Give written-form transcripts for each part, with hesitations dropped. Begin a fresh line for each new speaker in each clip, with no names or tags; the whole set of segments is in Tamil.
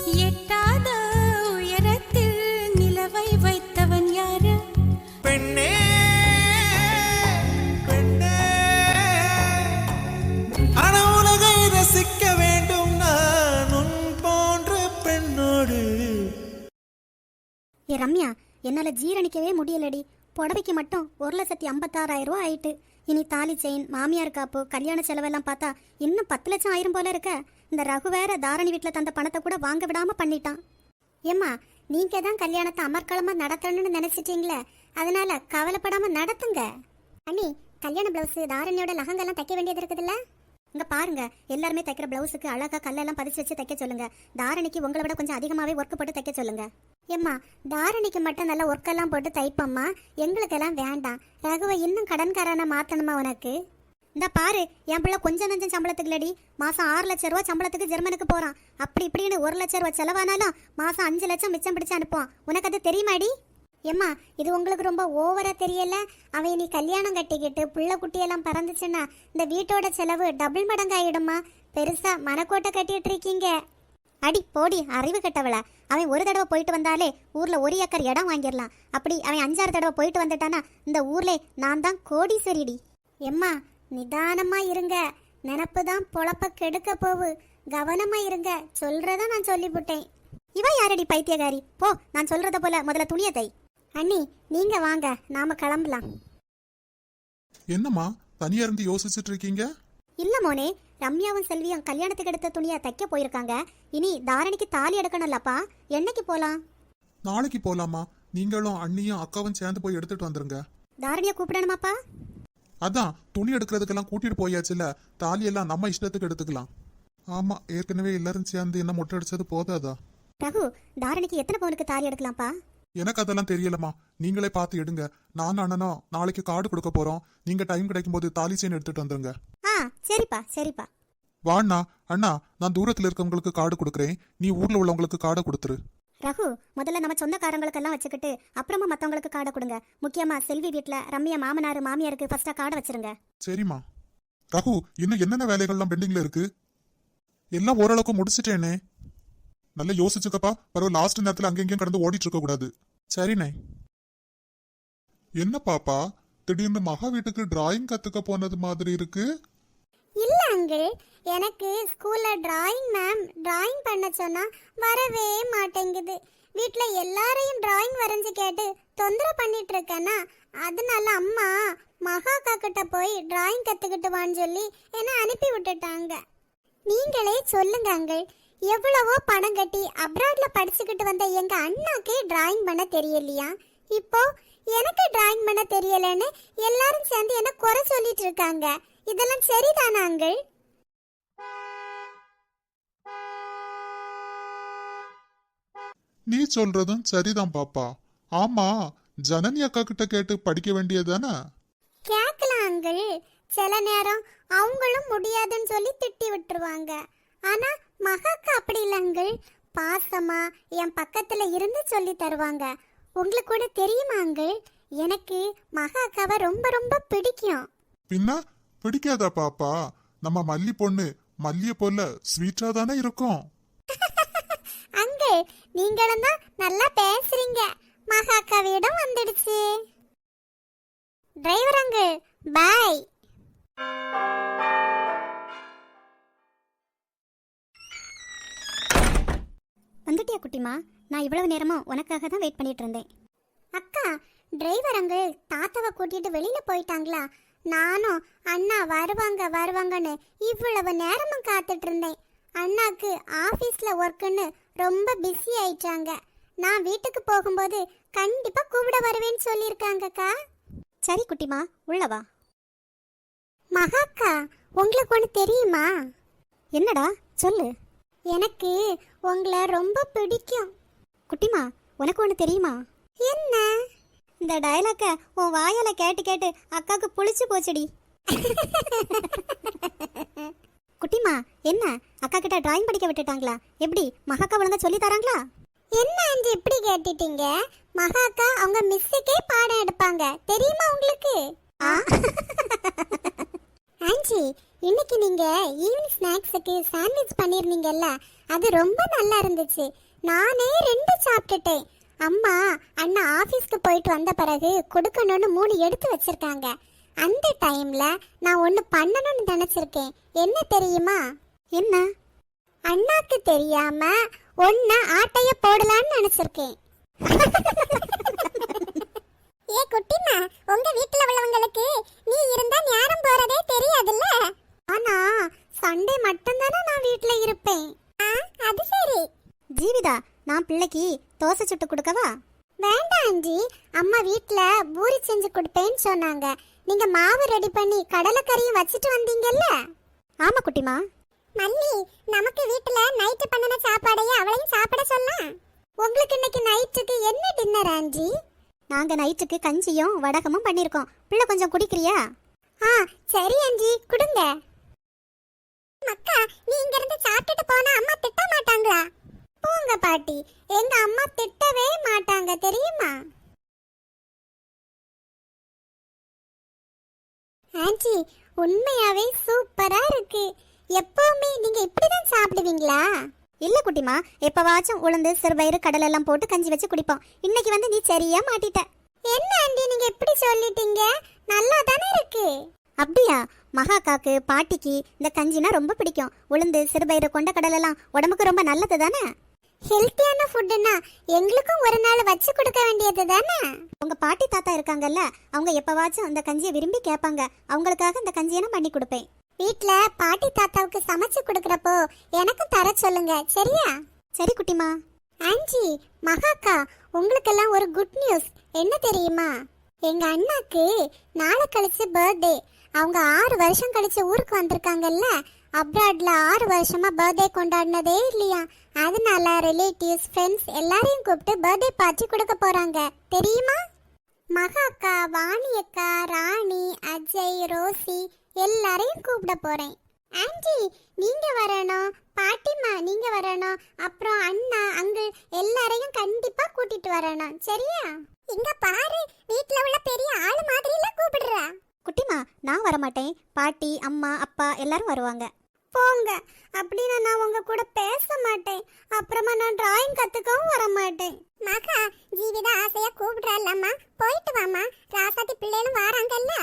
எட்டாத உயரத்தில் நிலவை வைத்தவன் யாரு?
பெண்ணே பெண்ணே, ஆனா உலகை ரசிக்க வேண்டும் நான் உன் போன்ற பெண்ணோடு.
ஏ ரம்யா, என்னால ஜீரணிக்கவே முடியலடி. புடவைக்கு மட்டும் 1,56,000 ரூபா ஆயிட்டு. இனி தாலி செயின், மாமியார் காப்பு, கல்யாண செலவெல்லாம் பார்த்தா இன்னும் 10 லட்சம் ஆயிரம் போல இருக்க. இந்த ரகு வேற தாரணி வீட்டில் தந்த பணத்தை கூட வாங்க விடாம பண்ணிட்டான். ஏம்மா, நீங்க தான் கல்யாணத்தை அமர்க்களமா நடத்தணும்னு நினைச்சிட்டீங்களே, அதனால கவலைப்படாம நடத்துங்க. அண்ணி, கல்யாண பிளவுஸ் தாரணியோட லகங்கெல்லாம் தைக்க வேண்டியது இருக்குதுல்ல? இங்க பாருங்க, எல்லாருமே தைக்கிற பிளவுஸுக்கு அழகா கல்லெல்லாம் பதிச்சு வச்சு தைக்க சொல்லுங்க. தாரணிக்கு உங்களை விட கொஞ்சம் அதிகமாவே ஒர்க் போட்டு தைக்க சொல்லுங்க. ஏம்மா, தாரணிக்கு மட்டும் நல்ல ஒர்க்கெல்லாம் போட்டு தைப்பம்மா, எங்களுக்கெல்லாம் வேண்டாம். ரகுவை இன்னும் கடன்காரனை மாத்தணுமா உனக்கு? இந்த பாரு, என் பிள்ளை கொஞ்சம் நஞ்சம் சம்பளத்துக்கு இல்லடி, மாசம் 6 லட்சம் ரூபா சம்பளத்துக்கு ஜெர்மனுக்கு போறான். அப்படி இப்படின்னு 1 லட்சம் ரூபா செலவானாலும் மாசம் 5 லட்சம் மிச்சம் பிடிச்சு அனுப்புவான். உனக்கு அது தெரியுமாடி? ஏம்மா, இது உங்களுக்கு ரொம்ப ஓவரா தெரியல? அவன் நீ கல்யாணம் கட்டிக்கிட்டு புள்ள குட்டியெல்லாம் பறந்துச்சுன்னா இந்த வீட்டோட செலவு டபுள் மடங்கு ஆயிடுமா? பெருசா மனக்கோட்டை கட்டிட்டு இருக்கீங்க. அடி போடி அறிவு கட்டவள. அவன் ஒரு தடவை போயிட்டு வந்தாலே ஊர்ல 1 ஏக்கர் இடம் வாங்கிடலாம். அப்படி அவன் 5-6 தடவை போயிட்டு வந்துட்டானா இந்த ஊர்ல நான் தான் கோடீஸ்வரிடி. எம்மா, நிதானமா இருங்க. நினப்பு தான் பொழப்ப கெடுக்க போவு. கவனமா இருங்க. சொல்றத நான் சொல்லிவிட்டேன். இவன் யாரடி பைத்தியகாரி? போ, நான் சொல்றத போல முதல்ல துணியை தை. அண்ணி, நீங்க வாங்க, நாம கிளம்பலாம்.
என்னம்மா தனியா இருந்து யோசிச்சுட்டு இருக்கீங்க?
இல்ல மோனே, ரம்யாவும் செல்வியும் கல்யாணத்துக்கு எடுத்த துணியை தைக்க போயிருக்காங்க. இனி தாரணிக்கு தாலி எடுக்கணும்லப்பா. என்னைக்கு போலாம்?
நாளைக்கு போலாமா? நீங்களும் அண்ணியும் அக்காவும் சேர்ந்து போய் எடுத்துட்டு வந்துருங்க.
தாரணியை கூப்பிடணுமாப்பா?
அதான், துணி எடுக்கிறதுக்கெல்லாம் கூட்டிட்டு போயாச்சுல, தாலி எல்லாம் நம்ம இஷ்டத்துக்கு எடுத்துக்கலாம். ஆமா, ஏற்கனவே எல்லாரும் சேர்ந்து என்ன மொட்டை அடிச்சது போதாதா?
ரகு, தாரணிக்கு எத்தனை பவுனுக்கு தாலி எடுக்கலாம்ப்பா?
எனக்கு அதெல்லாம் தெரியலமா, நீங்களே பார்த்து எடுங்க. நான் அண்ணனும் நாளைக்கு கார்டு கொடுக்க போறோம். நீங்க டைம் கிடைக்கும் போது தாலி செயின் எடுத்துட்டு வந்துருங்க.
சரிப்பா சரிப்பா.
வாண்ணா. அண்ணா, நான் தூரத்துல இருக்கவங்களுக்கு கார்டு கொடுக்குறேன், நீ ஊர்ல உள்ளவங்களுக்கு கார்டை கொடுத்துரு.
ரகு, முதல்ல நம்ம சொந்தக்காரங்களுக்கெல்லாம் வச்சுக்கிட்டு அப்புறமா மத்தவங்களுக்கு கார்டை கொடுங்க. முக்கியமா செல்வி வீட்டுல ரம்யா மாமனார் மாமியாருக்கு ஃபர்ஸ்டா கார்டை வச்சிருங்க.
சரிம்மா. ரகு, இன்னும் என்னென்ன வேலைகள்லாம் பெண்டிங்ல இருக்கு? எல்லாம் ஓரளவுக்கு முடிச்சிட்டேனே. நல்லா யோசிச்சுக்கப்பா, பரவாயில்ல. லாஸ்ட் நேரத்துல அங்கெங்கேயும் கடந்து ஓடிட்டு இருக்க கூடாது. சரிண்ணே. என்ன பாப்பா, திடீர்னு மகா வீட்டுக்கு டிராயிங் கத்துக்க போனது மாதிரி இருக்கு?
இல்ல அங்கிள், எனக்கு ஸ்கூல்ல டிராயிங் மேம் டிராயிங் பண்ண சொன்னா வரவே மாட்டேங்குது. வீட்ல எல்லாரையும் டிராயிங் வரைஞ்சு கேட்டு தொந்தரவு பண்ணிட்டு இருக்கேன்னா, அதனால அம்மா மகாக்கா கிட்ட போய் டிராயிங் கத்துக்கிட்டு வான்னு சொல்லி என்ன அனுப்பி விட்டுட்டாங்க. நீங்களே சொல்லுங்க அங்கிள், எவ்வளவோ பணம் கட்டி அப்ராட்ல படிச்சுக்கிட்டு வந்த எங்க அண்ணாக்கே டிராயிங் பண்ண தெரியலையா? இப்போ எனக்கு டிராயிங் பண்ண தெரியலன்னு எல்லாரும் சேர்ந்து என்ன குறை சொல்லிட்டு இருக்காங்க. இதெல்லாம் சரிதானா அங்கிள்?
நீ சொல்றதும் சரிதான் பாப்பா. ஆமா, ஜனனி அக்கா கிட்ட கேட்டு படிக்க வேண்டியதானே?
கேட்கலாம் அங்கிள். சில நேரம் அவங்களும் முடியாதுன்னு சொல்லி திட்டி விட்டுருவாங்க. ஆனா மகாக்கா அப்படி இல்லை அங்கிள், பாசமா என் பக்கத்துல இருந்து சொல்லி தருவாங்க. உங்களுக்கு கூட தெரியுமா அங்கிள், எனக்கு மகாக்காவை ரொம்ப ரொம்ப பிடிக்கும்.
பின்ன பிடிக்காதா பாப்பா? நம்ம மல்லி பொண்ணு மல்லிய போல ஸ்வீட்டா தானே இருக்கும்.
அங்கிள், நீங்களும் தான் நல்லா பேசுறீங்க. மகாக்காவிடம் வந்துடுச்சு. Driver uncle, bye. வந்துட்டியா குட்டிமா? நான் இவ்வளவு நேரமும் உனக்காக தான் வெயிட் பண்ணிட்டு இருந்தேன். அக்கா, டிரைவர் அங்கிள் தாத்தாவை கூட்டிட்டு வெளியில போயிட்டாங்களா? நானும் அண்ணா வருவாங்க வருவாங்கன்னு இவ்வளவு நேரமும் காத்துட்டு இருந்தேன். அண்ணாக்கு ஆபீஸ்ல ஒர்க்குன்னு ரொம்ப பிஸி ஆயிட்டாங்க. நான் வீட்டுக்கு போகும்போது கண்டிப்பா கூப்பிட வருவேன்னு சொல்லியிருக்காங்கக்கா. சரி குட்டிமா, உள்ளவா. மகாக்கா, உங்களுக்கு ஒன்று தெரியுமா? என்னடா சொல்லு. எனக்கு உங்களை ரொம்ப பிடிக்கும். குட்டிமா, உனக்கு ஒன்று தெரியுமா? என்ன? இந்த டயலாக்க உன் வாயால கேட்டு கேட்டு அக்காவுக்கு புளிச்சு போச்சுடி. குட்டிமா, என்ன அக்கா கிட்ட டிராயிங் படிக்க விட்டுட்டாங்களா? எப்படி மகாக்கா ஒழுங்கா சொல்லி தராங்களா? என்ன அஞ்சு இப்படி கேட்டுட்டீங்க? மகாக்கா அவங்க மிஸ்ஸுக்கே பாடம் எடுப்பாங்க, தெரியுமா உங்களுக்கு? ஆஞ்சி, இன்னைக்கு நீங்க ஈவினிங் ஸ்நாக்ஸுக்கு சாண்ட்விச் பண்ணிருந்தீங்கல்ல, அது ரொம்ப நல்லா இருந்துச்சு. நானே 2 சாப்பிட்டுட்டேன். அம்மா அண்ணா ஆபீஸ்க்கு போயிட்டு வந்த பிறகு கொடுக்கணும்னு 3 எடுத்து வச்சிருக்காங்க. அந்த டைம்ல நான் ஒன்னு பண்ணணும்னு நினைச்சிருக்கேன். என்ன தெரியுமா? என்ன? அண்ணாக்கு தெரியாம ஒன்னு ஆட்டைய போடலாம்னு நினைச்சிருக்கேன். ஏ குட்டிமா, உங்க வீட்ல உள்ளவங்களுக்கு நீ இருந்தா நேரம் போறதே தெரியாதுல்ல. ஆனா சண்டே மட்டும் தானே நான் வீட்ல இருப்பேன். அது சரி. ஜீவிதா, நான் பிள்ளைக்கு தோசை சுட்டு கொடுக்கவா? வேண்டாம் ஆண்டி, அம்மா வீட்ல பூரி செஞ்சு கொடுப்பேன்னு சொன்னாங்க. நீங்க மாவு ரெடி பண்ணி கடலைக்கறியும் வச்சிட்டு வந்தீங்கல்ல? ஆமா குட்டிமா. மல்லி, நமக்கு வீட்ல நைட் பண்ணன சாப்பாடையே அவளையும் சாப்பிட சொல்லலாம். உங்களுக்கு இன்னைக்கு நைட்டுக்கு என்ன டின்னர் ஆண்டி? நாங்க நைட்டுக்கு கஞ்சியும் வடகமும் பண்ணிருக்கோம். பிள்ளை கொஞ்சம் குடிக்கிறியா? சரி ஆண்டி, குடுங்க. மக்கா, நீ இங்க இருந்து சாப்பிட்டுட்டு போனா அம்மா திட்ட மாட்டாங்களா? போங்க பாட்டி, எங்க அம்மா திட்டவே மாட்டாங்க தெரியுமா? ஆண்டி, உண்மையாவே சூப்பரா இருக்கு. எப்பவுமே நீங்க இப்படிதான் சாப்பிடுவீங்களா? இல்ல குட்டிமா, எப்பவாச்சும் உளுந்து சிறுபயிறு கடலை எல்லாம் போட்டு கஞ்சி வச்சு குடிப்போம். இன்னைக்கு வந்து நீ சரியா மாட்டிட்ட. என்ன ஆண்டி நீங்க எப்படி சொல்லிட்டீங்க? நல்லா தானே இருக்கு. அப்படியா? மகாக்காக்கு பாட்டிக்கு இந்த கஞ்சினா ரொம்ப பிடிக்கும். உளுந்து சிறுபயிறு கொண்ட கடலை எல்லாம் உடம்புக்கு ரொம்ப நல்லது தானே. ஹெல்த்தியான ஃபுட்னா எங்களுக்கும் ஒரு நாள் வச்சு கொடுக்க வேண்டியது தானே. உங்க பாட்டி தாத்தா இருக்காங்கல்ல, அவங்க எப்பவாச்சும் அந்த கஞ்சியை விரும்பி கேட்பாங்க. அவங்களுக்காக இந்த கஞ்சியை நான் பண்ணி கொடுப்பேன். வீட்ல பாட்டி தாத்தாவுக்கு சமைச்சு கொடுக்கறப்போ எனக்கும் தர சொல்லுங்க, சரியா? சரி குட்டிமா. ஆண்டி, மகாக்கா, உங்களுக்கெல்லாம் ஒரு குட் நியூஸ். என்ன தெரியுமா? எங்க அண்ணாக்கு நாளை கழிச்சு பர்த்டே. அவங்க 6 வருஷம் கழிச்சு ஊருக்கு வந்திருக்காங்கல்ல. அப்ராட்ல 6 வருஷமா பர்த்டே கொண்டாடினதே இல்லையா. அதனால ரிலேட்டிவ்ஸ் ஃப்ரெண்ட்ஸ் எல்லாரையும் கூப்பிட்டு பர்த்டே பார்ட்டி கொடுக்க போறாங்க, தெரியுமா? மகாக்கா, வாணி அக்கா, ராணி, அஜய், ரோசி எல்லாரையும் கூப்பிட போறேன். ஆண்டி நீங்க வரணும், பாட்டிமா நீங்க வரணும், அப்புறம் அண்ணா அங்கிள் எல்லாரையும் கண்டிப்பா கூட்டிட்டு வரணும், சரியா? இங்க பாரு, வீட்ல உள்ள பெரிய ஆளு மாதிரி எல்லாம் கூப்பிடுற. குட்டிமா, நான் வர மாட்டேன். பாட்டி அம்மா அப்பா எல்லாரும் வருவாங்க. போங்க, அப்படின்னா நான் உங்க கூட பேச மாட்டேன். அப்புறமா நான் டிராயிங் கத்துக்கவும் வர மாட்டேன். மகா, ஜீவிதா ஆசையா கூப்பிடுறாள்லம்மா, போயிட்டு வாமா. ராசாத்தி பிள்ளைகளும் வராங்கல்ல.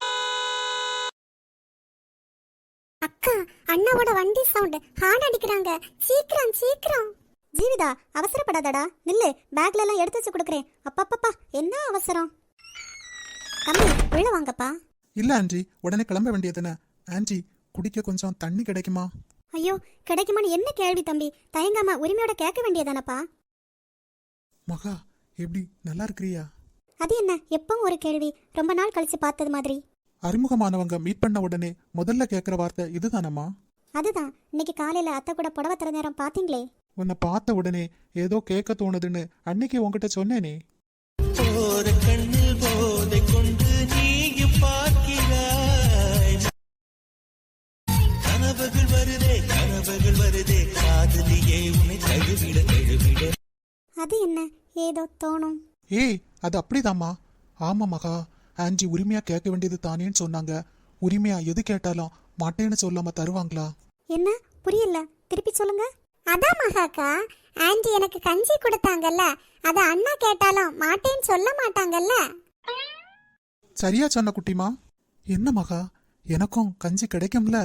அக்கா, அண்ணாவோட வண்டி சவுண்ட், ஹார்ன் அடிக்கிறாங்க. சீக்கிரம் சீக்கிரம். ஜீவிதா, அவசரப்படாதடா, நில்லு. பேக்ல எல்லாம் எடுத்து வச்சு கொடுக்குறேன். அப்பப்பப்பா, என்ன அவசரம்? தம்பி, உள்ள வாங்கப்பா.
இல்ல ஆண்டி, உடனே கிளம்ப வேண்டியதுன்னு. ஆண்டி, குடிக்க கொஞ்சம் தண்ணி கிடைக்குமா?
ஐயோ, கிடைக்குமான்னு என்ன கேள்வி தம்பி? தயங்காம உரிமையோட கேட்க வேண்டியதானப்பா.
மகா, எப்படி நல்லா இருக்கிறியா?
அது என்ன எப்பவும் ஒரு கேள்வி? ரொம்ப நாள் கழிச்சு பார்த்தது மாதிரி.
அறிமுகமானவங்க மீட் பண்ண உடனே முதல்ல கேட்குற வார்த்தை இதுதானம்மா?
அதுதான். இன்னைக்கு காலையில அத்தை கூட புடவை தர நேரம் பாத்தீங்களே.
உன்னை பார்த்த உடனே ஏதோ கேட்க தோணுதுன்னு அன்னைக்கு உன்கிட்ட சொன்னேனே.
ஒரு கண்ணில் போதை கொண்டு நீயும் பார்க்கிறாய். கனவுகள் வருதே காதலியே உன்னை தழுவிட தழுவிட.
அது என்ன ஏதோ தோணும்.
ஏய், அது அப்படிதாம்மா. ஆமா மகா, ஆண்டி உரிமையா கேட்க வேண்டியது தானேன்னு சொன்னாங்க. உரிமையா எது கேட்டாலும் மாட்டேன்னு சொல்லாம தருவாங்களா?
என்ன புரியல, திருப்பி சொல்லுங்க. அதான் மகாக்கா, ஆண்டி எனக்கு கஞ்சி கொடுத்தாங்கல்ல, அத அண்ணா கேட்டாலும் மாட்டேன்னு சொல்ல மாட்டாங்கல்ல.
சரியா சொன்ன குட்டிமா. என்ன மகா, எனக்கும் கஞ்சி கிடைக்கும்ல?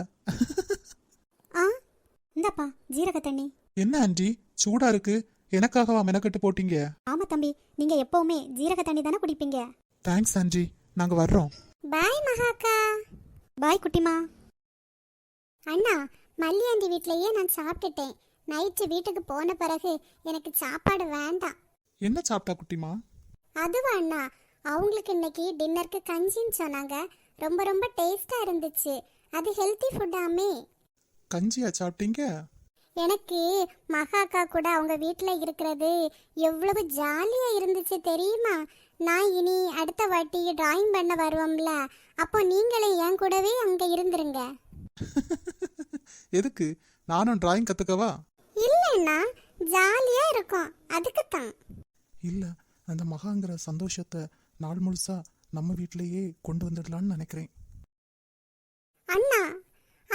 இந்தப்பா ஜீரக தண்ணி.
என்ன ஆண்டி, சூடா இருக்கு. எனக்காகவா மெனக்கட்டு போட்டீங்க?
ஆமா தம்பி, நீங்க எப்பவுமே ஜீரக தண்ணி தானே குடிப்பீங்க.
தேங்க்ஸ் ஆண்டி, நாங்க வர்றோம்.
பாய் மகாக்கா. பாய் குட்டிமா. அண்ணா, மல்லி ஆண்டி வீட்லயே நான் சாப்பிட்டுட்டேன். நைட்டு வீட்டுக்கு போன பிறகு எனக்கு சாப்பாடு வேண்டாம்.
என்ன சாப்பிட்டா குட்டிமா?
அதுவா அண்ணா, அவங்களுக்கு இன்னைக்கு டின்னருக்கு கஞ்சின்னு சொன்னாங்க. ரொம்ப ரொம்ப டேஸ்டா இருந்துச்சு. அது ஹெல்த்தி ஃபுட்டாமே.
கஞ்சியா சாப்பிட்டீங்க?
எனக்கு மகாக்கா கூட அவங்க வீட்டில் இருக்கிறது எவ்வளவு ஜாலியா இருந்துச்சு தெரியுமா? நான் இனி அடுத்த வாட்டி டிராயிங் பண்ண வருவோம்ல, அப்போ நீங்களே என் கூடவே அங்க இருந்துருங்க.
எதுக்கு? நானும் டிராயிங் கத்துக்கவா?
இல்லைன்னா ஜாலியா இருக்கும், அதுக்கு தான்.
இல்ல, அந்த மகாங்கிற சந்தோஷத்தை நாள் முழுசா நம்ம வீட்டிலேயே கொண்டு வந்துடலான்னு நினைக்கிறேன்.
அண்ணா,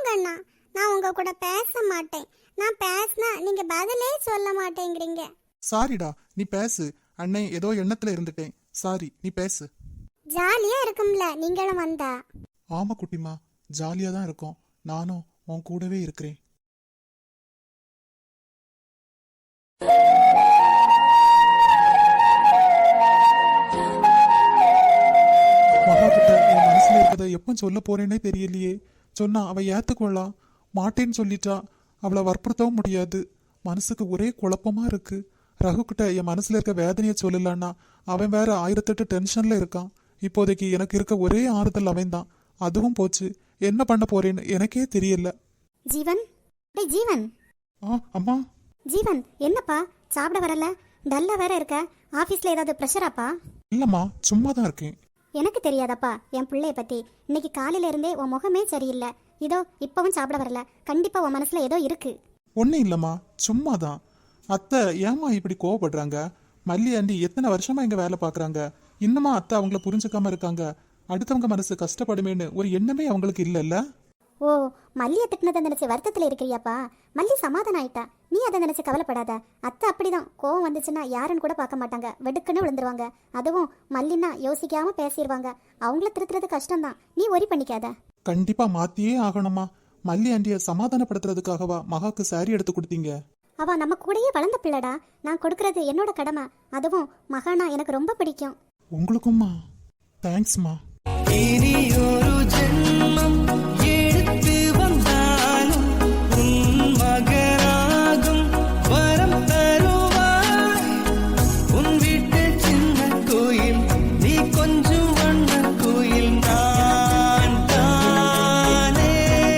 போங்கண்ணா, நான் உங்க கூட பேச மாட்டேன். நான் பேசினா நீங்க பதிலே சொல்ல மாட்டேங்கிறீங்க.
சாரிடா, நீ பேசு. அண்ணே ஏதோ எண்ணத்துல இருந்துட்டேன். சாரி, நீ பேசு.
ஜாலியா இருக்கும்ல நீங்களும் வந்தா.
ஆமா குட்டிமா, ஜாலியா தான் இருக்கோம். நானும் உன் கூடவே இருக்கிறேன். மகா கிட்ட என் மனசுல இருக்கதை எப்ப சொல்ல போறேன்னே தெரியலையே. சொன்னா அவ ஏத்துக்கொள்ளலாம், மாட்டேன்னு சொல்லிட்டா. அவளை வற்புறுத்தவும் முடியாது. மனசுக்கு ஒரே குழப்பமா இருக்கு. ரகு கிட்ட என் மனசுல இருக்க வேதனையை சொல்லலான்னா அவன் வேற 1008 டென்ஷன்ல இருக்கான். இப்போதைக்கு எனக்கு இருக்க ஒரே ஆறுதல் அவன் தான். அதுவும் போச்சு. என்ன பண்ண போறேன்னு எனக்கே தெரியல.
ஜீவன், டேய் ஜீவன்.
அம்மா.
ஜீவன், என்னப்பா சாப்பிட வரல? டல்லா வேற இருக்க. ஆபீஸ்ல ஏதாவது ப்ரெஷராப்பா?
இல்லம்மா, சும்மா தான் இருக்கேன்.
எனக்கு தெரியாதப்பா என் பிள்ளைய பத்தி. இன்னைக்கு காலையில இருந்தே உன் முகமே சரியில்லை. இதோ இப்பவும் சாப்பிட வரல. கண்டிப்பா உன் மனசுல ஏதோ இருக்கு.
ஒன்னும் இல்லம்மா, சும்மா தான். அத்தை ஏமா இப்படி கோவப்படுறாங்க? மல்லி ஆண்டி எத்தனை வருஷமா இங்க வேலை பாக்குறாங்க. இன்னுமா அத்தை அவங்கள புரிஞ்சுக்காம இருக்காங்க? அடுத்தவங்க மனசு கஷ்டப்படுமேன்னு ஒரு எண்ணமே அவங்களுக்கு இல்லைல்ல.
ஓ, மல்லியை திட்டினதை நினைச்சு வருத்தத்துல இருக்கிறியாப்பா? மல்லி சமாதானம் ஆயிட்டா, நீ அதை நினைச்சு கவலைப்படாத. அத்தை அப்படிதான், கோவம் வந்துச்சுன்னா யாருன்னு கூட பார்க்க மாட்டாங்க, வெடுக்குன்னு விழுந்துருவாங்க. அதுவும் மல்லின்னா யோசிக்காம பேசிடுவாங்க. அவங்கள திருத்துறது கஷ்டம்தான், நீ ஒரி பண்ணிக்காத.
கண்டிப்பா மாத்தியே ஆகணுமா. மல்லி ஆண்டிய சமாதானப்படுத்துறதுக்காகவா மகாக்கு சாரி எடுத்து கொடுத்தீங்க?
அவ நம்ம கூடயே வளர்ந்த பிள்ளடா. நான் கொடுக்கறது என்னோட கடமை. அதுவும் மகானா எனக்கு ரொம்ப பிடிக்கும்.
உங்களுக்கும்மா. தேங்க்ஸ்மா.
இனி ஒரு ஜென்மம் எடுத்து வந்தாலும் உன் மகனாகும் வரம் தருவாய். உன் வீட்டு சின்ன கோயில் நீ கொஞ்சம் வண்ண கோயில் நான் தானே.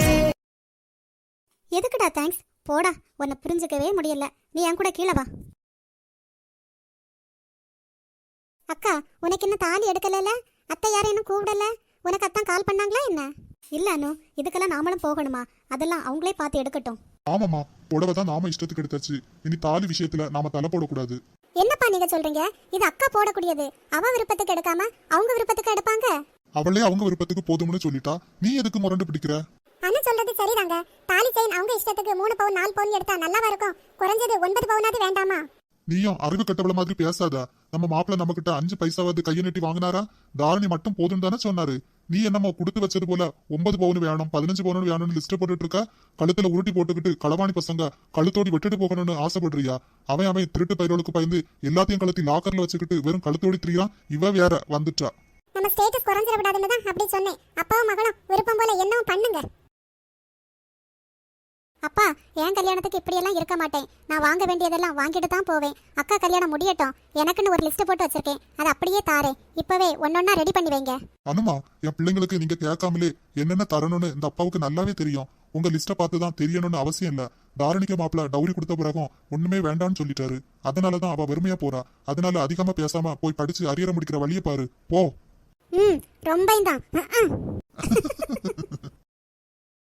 எதுக்குடா தேங்க்ஸ்? போடா, உன்னை புரிஞ்சுக்கவே முடியல. நீ என் கூட கீழே வா. அக்கா, உனக்கு இன்னும் தாலி எடுக்கல? அத்தை யாரும் இன்னும் கூப்பிடல? உனக்கு அத்தான் கால் பண்ணாங்களா என்ன? இல்ல அனு, இதுக்கெல்லாம் நாமளும் போகணுமா? அதெல்லாம் அவங்களே பார்த்து எடுக்கட்டும்.
ஆமாமா, புடவை தான் நாம இஷ்டத்துக்கு எடுத்தாச்சு. இனி தாலி விஷயத்துல நாம தலை போடக்கூடாது.
என்னப்பா நீங்க சொல்றீங்க? இது அக்கா போடக்கூடியது. அவ விருப்பத்துக்கு எடுக்காம அவங்க விருப்பத்துக்கு எடுப்பாங்க.
அவளே அவங்க விருப்பத்துக்கு போதும்னு சொல்லிட்டா, நீ எதுக்கு முரண்டு பிடிக்கிற?
அண்ணன் சொல்றது சரிதாங்க. தாலி செயின் அவங்க இஷ்டத்துக்கு 3 பவுன் 4 பவுன் எடுத்தா நல்லாவா இருக்கும்? குறைஞ்சது 9 பவுனாவது வேண்டாமா?
நீயும் அறிவு கட்டவள மாதிரி பேசாத. நம்ம மாப்பிள்ள நம்ம கிட்ட 5 பைசாவது கையை நீட்டி வாங்கினாரா? தாரணி மட்டும் போதும் தானே சொன்னாரு. நீ என்னமோ கொடுத்து வச்சது போல 9 பவுன் வேணும் 15 பவுன் வேணும்னு லிஸ்ட் போட்டுட்டு இருக்க. கழுத்துல உருட்டி போட்டுக்கிட்டு களவாணி பசங்க கழுத்தோடி விட்டுட்டு போகணும்னு ஆசைப்படுறியா? அவன் திருட்டு பயிரோளுக்கு பயந்து எல்லாத்தையும் கழுத்தி லாக்கர்ல வச்சுக்கிட்டு வெறும் கழுத்தோடி திரியான். இவ வேற வந்துட்டா.
நம்ம ஸ்டேட்டஸ் குறைஞ்சிட விடாதுன்னு தான் அப்படி சொன்னேன். அப்பாவும் மகளும் விருப்பம் போல என்னவும் பண்ணுங்க. அப்பா, என் கல்யாணத்துக்கு இப்படியெல்லாம் இருக்க மாட்டேன். நான் வாங்க வேண்டியதெல்லாம் வாங்கிட்டு தான் போவேன். அக்கா கல்யாணம் முடியட்டும். எனக்குன்னு ஒரு லிஸ்ட் போட்டு வச்சிருக்கேன், அதை அப்படியே தாரேன். இப்பவே ஒன்னொன்னா ரெடி பண்ணி வைங்க.
அனுமா, என் பிள்ளைங்களுக்கு நீங்க கேட்காமலே என்னென்ன தரணும்னு இந்த அப்பாவுக்கு நல்லாவே தெரியும். உங்க லிஸ்ட பார்த்து தான் தெரியணும்னு அவசியம் இல்ல. தாரணிக்க மாப்பிள்ள டவுரி கொடுத்த பிறகும் ஒண்ணுமே வேண்டாம்னு சொல்லிட்டாரு. அதனாலதான் அவ வெறுமையா போறா. அதனால அதிகமா பேசாம போய் படிச்சு அரியற முடிக்கிற வழியை பாரு. போ.
ரொம்ப தான்